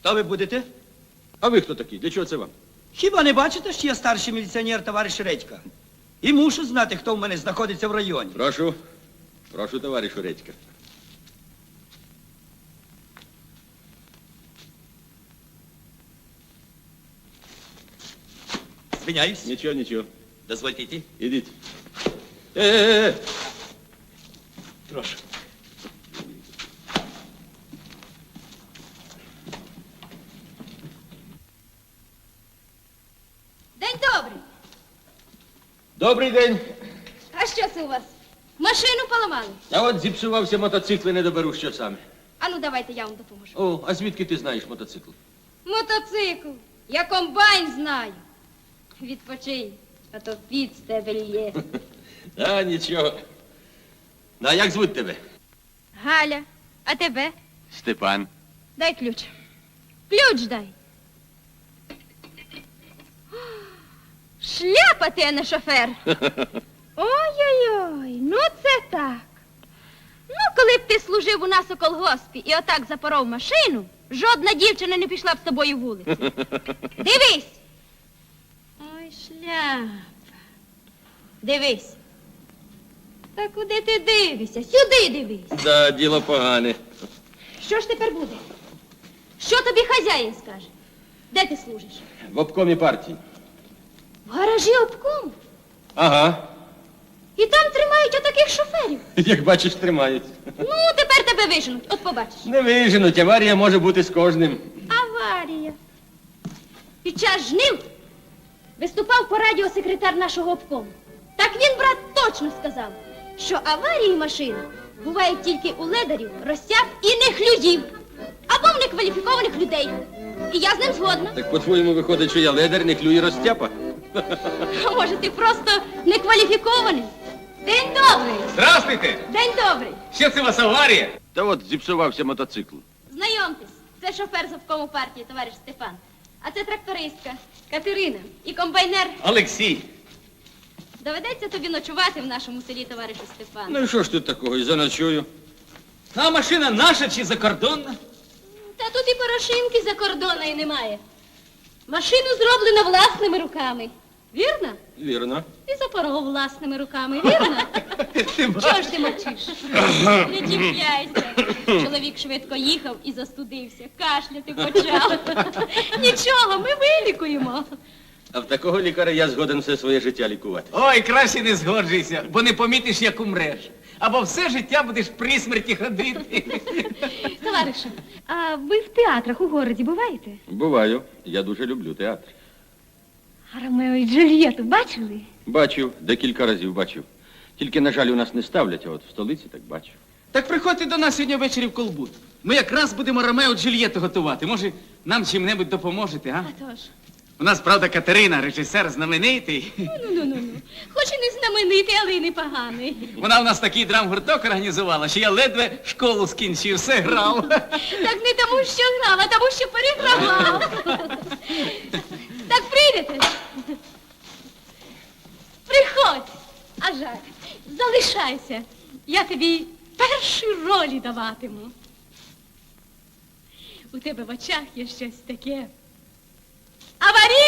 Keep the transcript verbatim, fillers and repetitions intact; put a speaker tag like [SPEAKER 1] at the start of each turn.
[SPEAKER 1] Хто ви будете?
[SPEAKER 2] А ви хто такий? Для чого це вам?
[SPEAKER 1] Хіба не бачите, що я старший міліціонер, товариш Редька? І мушу знати, хто в мене знаходиться в районі.
[SPEAKER 2] Прошу. Прошу, товаришу Редька.
[SPEAKER 1] Звиняюсь.
[SPEAKER 2] Нічого, нічого.
[SPEAKER 1] Дозвольте йти.
[SPEAKER 2] Ідіть. Е-е-е!
[SPEAKER 1] Прошу.
[SPEAKER 3] День добрий.
[SPEAKER 2] Добрий день.
[SPEAKER 3] А що це у вас? Машину поламали?
[SPEAKER 2] А от зіпсувався мотоцикл і не доберу, що саме.
[SPEAKER 3] А ну давайте я вам допоможу.
[SPEAKER 2] О, а звідки ти знаєш мотоцикл?
[SPEAKER 3] Мотоцикл. Я комбайн знаю. Відпочинь, а то під з тебе лє.
[SPEAKER 2] А, нічого. Ну, а як звуть тебе?
[SPEAKER 3] Галя, а тебе?
[SPEAKER 2] Степан.
[SPEAKER 3] Дай ключ. Ключ дай. Шляпа ти, а не шофер. Ой-ой-ой, ну це так. Ну, коли б ти служив у нас у колгоспі і отак запоров машину, жодна дівчина не пішла б з тобою вулицю. Дивись. Ой, шляпа. Дивись. Та куди ти дивишся? Сюди дивись.
[SPEAKER 2] Да, діло погане.
[SPEAKER 3] Що ж тепер буде? Що тобі хазяїн скаже? Де ти служиш?
[SPEAKER 2] В обкомі партії.
[SPEAKER 3] В гаражі обкому.
[SPEAKER 2] Ага.
[SPEAKER 3] І там тримають отаких шоферів.
[SPEAKER 2] Як бачиш, тримають.
[SPEAKER 3] Ну, тепер тебе виженуть, от побачиш.
[SPEAKER 2] Не виженуть, аварія може бути з кожним.
[SPEAKER 3] Аварія. Під час жнив виступав по радіо секретар нашого обкому. Так він, брат, точно сказав, що аварії машин бувають тільки у ледарів, розтяг і нехлюдів. Або в некваліфікованих людей. І я з ним згодна.
[SPEAKER 2] Так по-твоєму виходить, що я ледар, не клюю розтяпа?
[SPEAKER 3] А може, ти просто некваліфікований? День добрий.
[SPEAKER 4] Здравствуйте!
[SPEAKER 3] День добрий.
[SPEAKER 4] Що це у вас аварія?
[SPEAKER 2] Та от зіпсувався мотоцикл.
[SPEAKER 3] Знайомтесь, це шофер з обкому партії, товариш Степан. А це трактористка Катерина і комбайнер.
[SPEAKER 4] Олексій.
[SPEAKER 3] Доведеться тобі ночувати в нашому селі, товаришу Степан.
[SPEAKER 2] Ну і що ж тут такого? І заночую.
[SPEAKER 4] А машина наша чи закордонна?
[SPEAKER 3] Та тут і порошинки за кордона і немає. Машину зроблено власними руками. Вірно?
[SPEAKER 2] Вірно.
[SPEAKER 3] І запоров власними руками, вірно? Чого ж ти мовчиш? Не чіпляйся. Чоловік швидко їхав і застудився, кашляти почав. Нічого, ми вилікуємо.
[SPEAKER 2] А в такого лікаря я згоден все своє життя лікувати.
[SPEAKER 4] Ой, краще не згоджуйся, бо не помітиш, як умреш. Або все життя будеш при смерті ходити.
[SPEAKER 3] Товаришу, а ви в театрах у городі буваєте?
[SPEAKER 2] Буваю. Я дуже люблю театр.
[SPEAKER 3] А Ромео і Джульєту бачили?
[SPEAKER 2] Бачив, декілька разів бачив. Тільки, на жаль, у нас не ставлять, а от в столиці так бачив.
[SPEAKER 4] Так приходьте до нас сьогодні ввечері в Колбут. Ми якраз будемо Ромео Джульєту готувати. Може, нам чим-небудь допоможете, а?
[SPEAKER 3] А тож.
[SPEAKER 4] У нас, правда, Катерина, режисер знаменитий.
[SPEAKER 3] Ну-ну-ну. Хоч і не знаменитий, але й непоганий.
[SPEAKER 4] Вона у нас такий драмгурток організувала, що я ледве школу скінчив, все грав.
[SPEAKER 3] Так не тому, що грав, а тому, що перегравав. Так прийдете? Приходь. А жаль, залишайся. Я тобі перші ролі даватиму. У тебе в очах є щось таке. Аварійне!